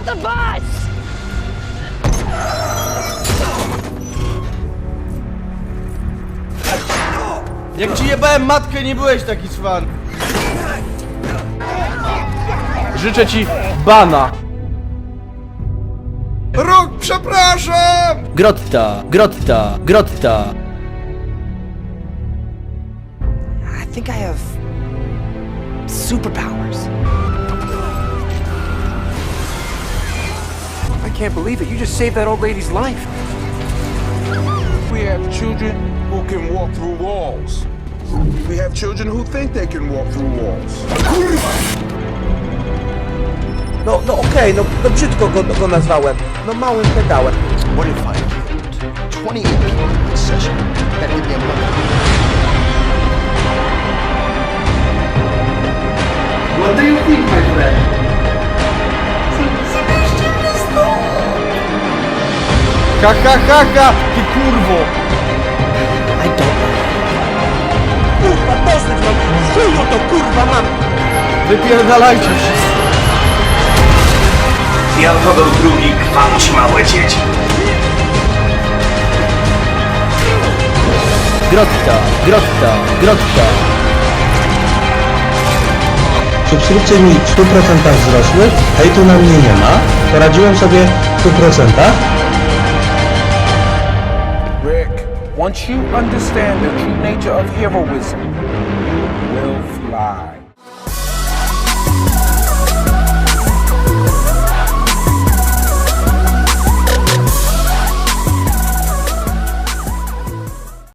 the bus! Jak ci jebałem matkę, nie byłeś taki cwan. Życzę ci bana. Rok, przepraszam! Grotta, grotta, grotta. I think I have superpowers. I can't believe it. You just saved that old lady's life. We have children who can walk through walls. We have children who think they can walk through walls. No okej, no brzydko go nazwałem. No małym pedałem. What if I killed 28 people in session? That give me a month. What do you think, my friend? Ha ha ha ha, ty kurwo. I don't know. Kurwa, dosyć mam. Chuju to kurwa mam. Wypierdalajcie wszyscy. Jan Paweł II gwałci małe dzieci. Grotta, grotta, grotta. Subskrypcje mi w 100% wzrosły, hejtu na mnie nie ma, poradziłem sobie w 100%. Rick, once you understand the true nature of heroism, you will fly.